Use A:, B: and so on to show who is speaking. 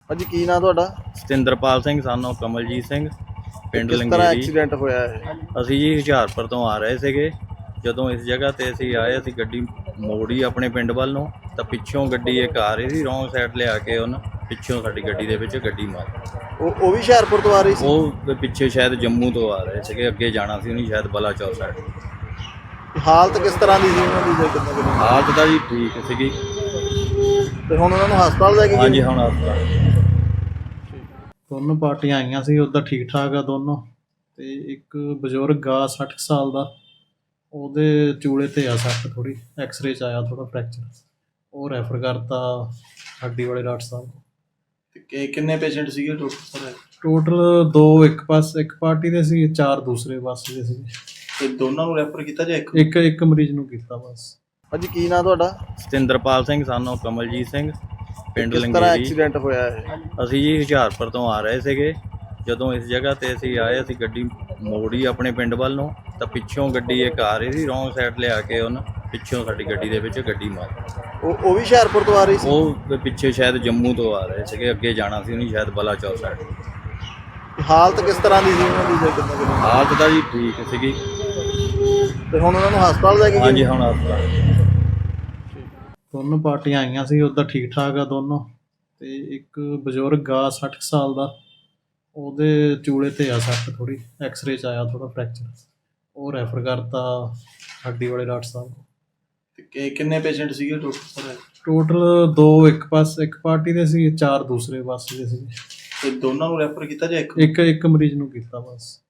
A: ਹਾਂਜੀ ਕੀ ਨਾਂ ਤੁਹਾਡਾ?
B: ਸਤਿੰਦਰਪਾਲ ਸਿੰਘ ਸਾਨੂੰ ਕਮਲਜੀਤ ਸਿੰਘ ਪਿੰਡ
A: ਕਿਸ ਤਰ੍ਹਾਂ
B: ਲੰਗੇਰੀ।
A: ਐਕਸੀਡੈਂਟ ਹੋਇਆ ਹੈ?
B: ਅਸੀਂ ਜੀ ਹੁਸ਼ਿਆਰਪੁਰ ਤੋਂ ਆ ਰਹੇ ਸੀਗੇ। ਜਦੋਂ ਇਸ ਜਗ੍ਹਾ ਤੇ ਅਸੀਂ ਆਏ, ਅਸੀਂ ਗੱਡੀ ਮੋੜੀ ਆਪਣੇ ਪਿੰਡ ਵੱਲ ਨੂੰ, ਤਾਂ ਪਿੱਛੋਂ ਗੱਡੀ ਇੱਕ ਆ ਰਹੀ ਸੀ ਰੋਂਗ ਸਾਈਡ ਲਿਆ ਕੇ, ਉਹਨੇ ਪਿੱਛੋਂ ਸਾਡੀ ਗੱਡੀ ਦੇ ਵਿੱਚ ਗੱਡੀ ਮਾਰੀ।
A: ਉਹ ਵੀ ਹੁਸ਼ਿਆਰਪੁਰ ਤੋਂ ਆ ਰਹੀ ਸੀ?
B: ਉਹ ਪਿੱਛੇ ਸ਼ਾਇਦ ਜੰਮੂ ਤੋਂ ਆ ਰਹੇ ਸੀਗੇ, ਅੱਗੇ ਜਾਣਾ ਸੀ ਉਹਨੇ ਸ਼ਾਇਦ ਬਲਾਚੌਰ ਸਾਈਡ।
A: ਹਾਲਤ ਕਿਸ ਤਰ੍ਹਾਂ ਦੀ ਸੀ ਉਹਨਾਂ ਦੀ ਜੇ ਕਿੰਨੇ ਦਿਨ?
B: ਹਾਲਤ ਤਾਂ ਜੀ ਠੀਕ ਸੀਗੀ।
A: ਤੇ ਹੁਣ ਉਹਨਾਂ ਨੂੰ ਹਸਪਤਾਲ ਲੈ ਕੇ ਗਏ?
B: ਹਾਂਜੀ, ਹੁਣ ਹਸਪਤਾਲ।
C: ਦੋਨੋਂ ਪਾਰਟੀਆਂ ਆਈਆਂ ਸੀ, ਉੱਦਾਂ ਠੀਕ ਠਾਕ ਆ ਦੋਨੋਂ। ਤੇ ਇੱਕ ਬਜ਼ੁਰਗ ਆ 60 ਸਾਲ ਦਾ, ਉਹਦੇ ਚੂਲੇ ਤੇ ਆ ਸੱਟ ਥੋੜ੍ਹੀ, ਐਕਸਰੇ 'ਚ ਆਇਆ ਥੋੜ੍ਹਾ ਫ੍ਰੈਕਚਰ, ਉਹ ਰੈਫਰ ਕਰਤਾ ਹੱਡੀ ਵਾਲੇ ਡਾਕਟਰ ਸਾਹਿਬ।
A: ਤੇ ਕਿੰਨੇ ਪੇਸ਼ੈਂਟ ਸੀਗੇ ਟੋਟਲ?
C: ਟੋਟਲ 2 ਇੱਕ ਪਾਰਟੀ ਦੇ ਸੀ, 4 ਦੂਸਰੇ ਪਾਸੇ ਦੇ ਸੀ।
A: ਤੇ ਦੋਨਾਂ ਨੂੰ ਰੈਫਰ ਕੀਤਾ ਜਾਂ
C: ਇੱਕ ਮਰੀਜ਼ ਨੂੰ ਕੀਤਾ ਬਸ।
A: ਹਾਂਜੀ ਕੀ ਨਾਂ ਤੁਹਾਡਾ?
B: ਸਤਿੰਦਰਪਾਲ ਸਿੰਘ ਸਾਨੂੰ ਕਮਲਜੀਤ ਸਿੰਘ ਪਿੰਡ
A: ਕਿਸ ਤਰ੍ਹਾਂ
B: ਲੰਗੇਰੀ।
A: ਐਕਸੀਡੈਂਟ ਹੋਇਆ ਹੈ?
B: ਅਸੀਂ ਜੀ ਹੁਸ਼ਿਆਰਪੁਰ ਤੋਂ ਆ ਰਹੇ ਸੀਗੇ। ਜਦੋਂ ਇਸ ਜਗ੍ਹਾ ਤੇ ਅਸੀਂ ਆਏ, ਅਸੀਂ ਗੱਡੀ ਮੋੜੀ ਆਪਣੇ ਪਿੰਡ ਵੱਲ ਨੂੰ, ਤਾਂ ਪਿੱਛੋਂ ਗੱਡੀ ਇੱਕ ਆ ਰਹੀ ਸੀ ਰੋਂਗ ਸਾਈਡ ਲਿਆ ਕੇ, ਉਹਨੇ ਪਿੱਛੋਂ ਸਾਡੀ ਗੱਡੀ ਦੇ ਵਿੱਚ ਗੱਡੀ ਮਾਰੀ।
A: ਉਹ ਵੀ ਹੁਸ਼ਿਆਰਪੁਰ ਤੋਂ ਆ ਰਹੀ ਸੀ?
B: ਉਹ ਪਿੱਛੇ ਸ਼ਾਇਦ ਜੰਮੂ ਤੋਂ ਆ ਰਹੇ ਸੀਗੇ, ਅੱਗੇ ਜਾਣਾ ਸੀ ਉਹਨੇ ਸ਼ਾਇਦ ਬਲਾਚੌਰ ਸਾਈਡ।
A: ਹਾਲਤ ਕਿਸ ਤਰ੍ਹਾਂ ਦੀ ਸੀ ਉਹਨਾਂ ਦੀ ਜੇ ਕਿੰਨੇ ਦਿਨ?
B: ਹਾਲਤ ਤਾਂ ਜੀ ਠੀਕ ਸੀਗੀ।
A: ਤੇ ਹੁਣ ਉਹਨਾਂ ਨੂੰ ਹਸਪਤਾਲ ਲੈ ਕੇ ਗਏ?
B: ਹਾਂਜੀ, ਹੁਣ ਹਸਪਤਾਲ।
C: ਦੋਨੋਂ ਪਾਰਟੀਆਂ ਆਈਆਂ ਸੀ, ਉੱਦਾਂ ਠੀਕ ਠਾਕ ਆ ਦੋਨੋਂ। ਤੇ ਇੱਕ ਬਜ਼ੁਰਗ ਆ 60 ਸਾਲ ਦਾ, ਉਹਦੇ ਚੂਲੇ ਤੇ ਆ ਸੱਟ ਥੋੜ੍ਹੀ, ਐਕਸਰੇ 'ਚ ਆਇਆ ਥੋੜ੍ਹਾ ਫ੍ਰੈਕਚਰ, ਉਹ ਰੈਫਰ ਕਰਤਾ ਹੱਡੀ ਵਾਲੇ ਡਾਕਟਰ ਸਾਹਿਬ।
A: ਤੇ ਕਿੰਨੇ ਪੇਸ਼ੈਂਟ ਸੀਗੇ ਟੋਟਲ?
C: ਟੋਟਲ 2 ਇੱਕ ਪਾਰਟੀ ਦੇ ਸੀ, 4 ਦੂਸਰੇ ਪਾਸੇ ਦੇ ਸੀ।
A: ਤੇ ਦੋਨਾਂ ਨੂੰ ਰੈਫਰ ਕੀਤਾ ਜਾਂ
C: ਇੱਕ ਮਰੀਜ਼ ਨੂੰ ਕੀਤਾ ਬਸ।